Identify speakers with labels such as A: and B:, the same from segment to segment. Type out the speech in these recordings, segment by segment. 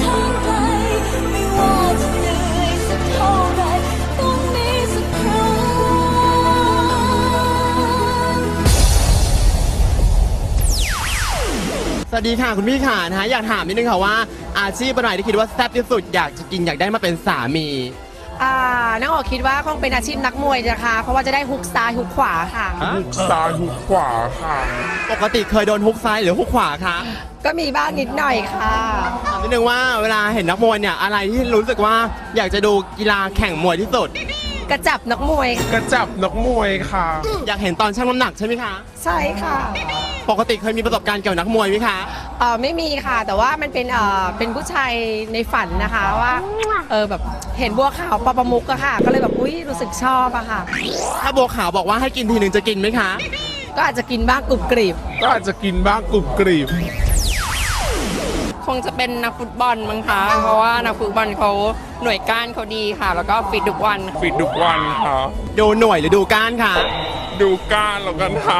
A: ทางไกลไม่ว่าจะเหนื่อยสักเท่าไรต้องมีสักครั้ง
B: สวัสดีค่ะคุณพี่ค่ะนะฮะอยากถามนิดนึงค่ะว่าอาชีพอะไรที่คิดว่าแซ่บที่สุดอยากจะกินอยากได้มาเป็นสามี
C: น้องโอคิดว่าคงเป็นอาชีพนักมวยนะคะเพราะว่าจะได้ฮุกซ้ายฮุกขวาค่ะ
D: ฮุกซ้ายฮุกขวาค่ะ
B: ปกติเคยโดนฮุกซ้ายหรือฮุกขวาคะ
C: ก็มีบ้างนิดหน่อยค่ะ
B: ถามนิดนึงว่าเวลาเห็นนักมวยเนี่ยอะไรที่รู้สึกว่าอยากจะดูกีฬาแข่งมวยที่สุด
C: กระจับนักมวย
D: กระจับนักมวยค่ะ
B: อยากเห็นตอนชั่งน้ำหนักใช่ไหมคะ
C: ใช่ค่ะ
B: ปกติเคยมีประสบการณ์เกี่ยวกับนักมวยไหมคะ
C: ไม่มีค่ะแต่ว่ามันเป็นผู้ชายในฝันนะคะว่าแบบเห็นบัวขาวปอประมุกอะค่ะก็เลยแบบอุ้ยรู้สึกชอบอะค่ะ
B: ถ้าบัวขาวบอกว่าให้กินทีหนึ่งจะกินไหมคะ
C: ก็อาจจะกินบ้างกรุบกริบ
D: ก็อาจจะกินบ้างกรุบกริบ
E: คงจะเป็นนักฟุตบอลมั้งคะเพราะว่านักฟุตบอลเขาหน่วยก้านเขาดีค่ะแล้วก็ฟิตทุกวัน
D: ค่ะ
B: ดูหน่วยหรือดูก้านค่ะ
D: ดูก้านแล้วกันค่ะ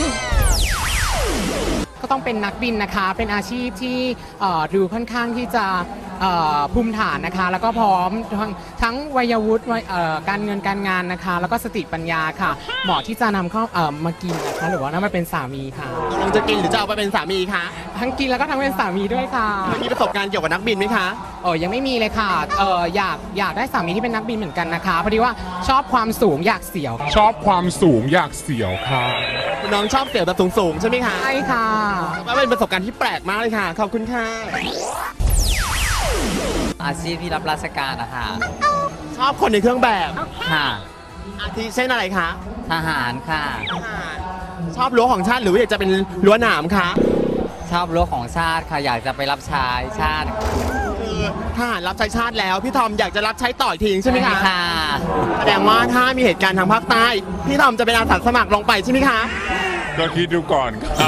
F: ก็ต้องเป็นนักบินนะคะเป็นอาชีพที่ดูค่อนข้างที่จะภูมิฐานนะคะแล้วก็พร้อมทั้งวัยวุฒิการเงินการงานนะคะแล้วก็สติปัญญาค่ะเหมาะที่จะนำเข้ามากินนะคะหรือว่านำมาเป็นสามีค่ะ
B: ลองจะกินหรือจะเอาไปเป็นสามีคะ
F: ทั้งกินแล้วก็ทั้งเป็นสามีด้วยค่ะ
B: มีประสบการณ์เกี่ยวกับนักบินไหมคะ
F: ยังไม่มีเลยค่ะอยากได้สามีที่เป็นนักบินเหมือนกันนะคะพอดีว่าชอบความสูงอยากเสี่ยว
D: ชอบความสูงอยากเสี่ยวค่ะ
B: น้องชอบเสี่ยวแบบสูงๆใช่ไหมคะ
F: ใช่ค่ะ
B: ว่าเป็นประสบการณ์ที่แปลกมากเลยค่ะขอบคุณค่ะ
G: อาชีพที่รับราชการนะคะ
B: ชอบคนในเครื่องแบบ
G: ค่ะ
B: อาทิเช่นอะไรคะ
G: ทหารค่ะ
B: ชอบรั้วของชาติหรืออยากจะเป็นรั้วหนามคะ
G: ชอบรั้วของชาติค่ะอยากจะไปรับใช้ชาติ
B: คือทหารรับใช้ชาติแล้วพี่ทอมอยากจะรับใช้ต่ออีกทีใช่ไหมคะ
G: ค่ะ
B: แสดงว่าถ้ามีเหตุการณ์ทางภาคใต้พี่ทอมจะเป็นอาสาสมัครลงไปใช่ไหมคะ
D: ก็คิดดูก่อนค่ะ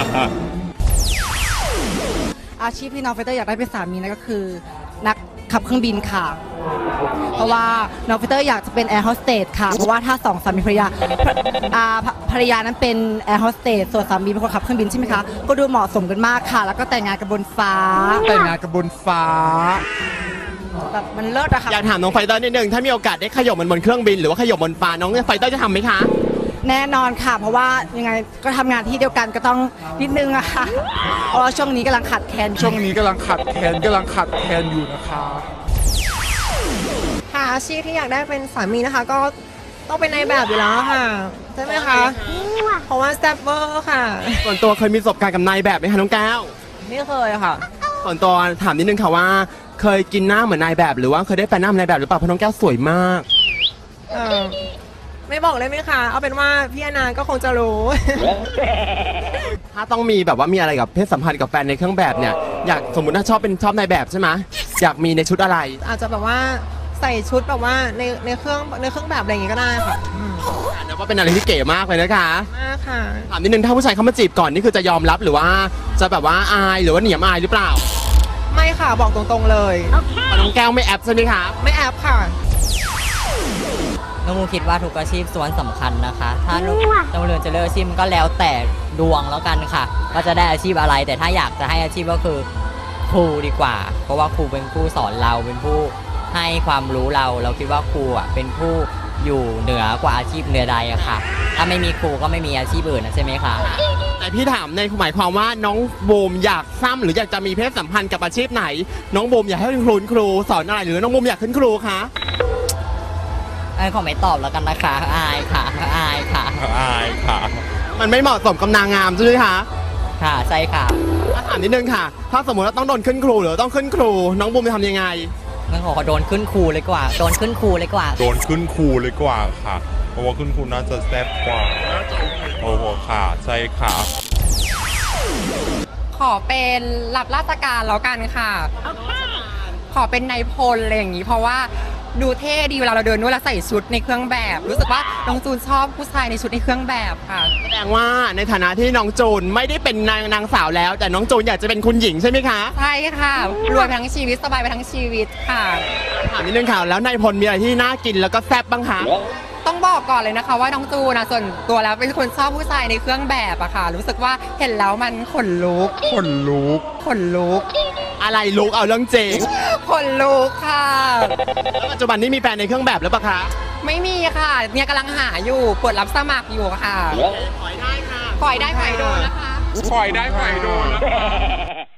C: อาชีพที่น้องไฟเตอร์อยากได้เป็นสามีนั่นก็คือนักขับเครื่องบินค่ะเพราะว่าน้องไฟเตอร์อยากจะเป็นแอร์โฮสเตสค่ะเพราะว่าถ้าสองสามีภรรยาภรรยานั้นเป็นแอร์โฮสเตสส่วนสามีเป็นคนขับเครื่องบินใช่ไหมคะก็ดูเหมาะสมกันมากค่ะแล้วก็แต่งงานกับบนฟ้าแบบมันเลิศอะค่ะ
B: อยากถามน้องไฟเตอร์นิดนึงถ้ามีโอกาสได้ขยบมันบนเครื่องบินหรือว่าขยบบนฟ้าน้องไฟเตอร์จะทำไหมคะ
C: แน่นอนค่ะเพราะว่ายังไงก็ทำงานที่เดียวกันก็ต้องนิดนึงอะค่ะเพราะว่าช่วงนี้กำลังขัดแคลน
D: อยู่นะคะ
C: ค่ะอาชีพที่อยากได้เป็นสามีนะคะก็ต้องเป็นนายแบบอยู่แล้วค่ะใช่ไหมคะเพราะว่าแซ่บเวอร์ค่ะ
B: ส่วนตัวเคยมีประสบการณ์กับนายแบบไหมคะน้องแก้ว
C: ไม่เคยค่ะ
B: ส่วนตัวถามนิดนึงค่ะว่าเคยกินหน้าเหมือนนายแบบหรือว่าเคยได้แฟนหน้าเหมือนนายแบบหรือเปล่าเพราะน้องแก้วสวยมาก
C: ไม่บอกเลยไหมคะเอาเป็นว่าพี่อนาก็คงจะรู้
B: ถ้าต้องมีแบบว่ามีอะไรกับเพศสัมพันธ์กับแฟนในเครื่องแบบเนี่ยอยากสมมติถ้าชอบนายแบบใช่ไหมอยากมีในชุดอะไร
C: อาจจะแบบว่าใส่ชุดแบบว่าในเครื่องแบบอะไรอย่างงี้ก็ได้ค่ะ
B: นะว่าเป็นอะไรที่เก๋มากเลยนะคะ
C: มากค่ะ
B: ถามนิดนึงถ้าผู้ชายเขามาจีบก่อนนี่คือจะยอมรับหรือว่าจะแบบว่าอายหรือว่าเหนียมอายหรือเปล่า
C: ไม่ค่ะบอกตรงๆเลย
B: น้องแก้วไม่แอบใช่ไหมคะ
C: ไม่แอบค่ะ
G: น้องมูคิดว่าทุกอาชีพส่วนสำคัญนะคะถ้าน้องเรือนจะเลือกอาชีพก็แล้วแต่ดวงแล้วกันค่ะว่าจะได้อาชีพอะไรแต่ถ้าอยากจะให้อาชีพก็คือครูดีกว่าเพราะว่าครูเป็นผู้สอนเราเป็นผู้ให้ความรู้เราคิดว่าครูเป็นผู้อยู่เหนือกว่าอาชีพเหนือใดอะค่ะถ้าไม่มีครูก็ไม่มีอาชีพอื่นนะใช่ไหมคะ
B: แต่พี่ถามในหมายความว่าน้องบูมอยากซ้ำหรืออยากจะมีเพศสัมพันธ์กับอาชีพไหนน้องบูมอยากให้คุณครูสอนอะไรหรือน้องบูมอยากขึ้นครูคะ
G: ขอไม่ตอบแล้วกันนะคะอายค่ะ
B: มันไม่เหมาะสมกับนางงามใช่ไหมคะ
G: ค่ะใช่ค่ะ
B: ถามนิดนึงค่ะถ้าสมมติว่าต้องโดนขึ้นครูหรือต้องขึ้นครูน้องบูมจะทำยังไง
G: งั้นขอโดนขึ้นครูเลยกว่าโดนขึ้นครูเลยกว่า
D: ค่ะเพราะว่าขึ้นครูน่าจะแซ่บกว่าโอ้โหค่ะใช่ค่ะ
E: ขอเป็นรับราชการแล้วกันค่ะขอเป็นนายพลอะไรอย่างนี้เพราะว่าดูเท่ดีเวลาเราเดินด้วยแล้วใส่ชุดในเครื่องแบบรู้สึกว่าน้องจูนชอบผู้ชายในชุดในเครื่องแบบค่ะ
B: แสดงว่าในฐานะที่น้องจูนไม่ได้เป็นนางสาวแล้วแต่น้องจูนอยากจะเป็นคุณหญิงใช่ไหมคะ
E: ใช่ค่ะรวยไปทั้งชีวิตสบายไปทั้งชีวิตค่ะ
B: ถามนิดนึงค่ะแล้วนายพลมีอะไรที่น่ากินแล้วก็แซ่บบ้างคะ
E: ต้องบอกก่อนเลยนะคะว่าน้องจูนส่วนตัวแล้วเป็นคนชอบผู้ชายในเครื่องแบบอะค่ะรู้สึกว่าเห็นแล้วมันขนลุก
B: อะไรลุกเอาเรื่องจริง
E: ขคนลุกค่ะ
B: แล้วปัจจุบันนี้มีแฟนในเครื่องแบบหรือเปล่าคะ
E: ไม่มีค่ะ เนี่ยกำลังหาอยู่เปิดรับสมัครอยู่ค่ะ
B: ขอยได้ค่ะ
E: ปล่อยได้ปล่อยโดนนะคะ
D: ปล่อยได้ปล่อยโดน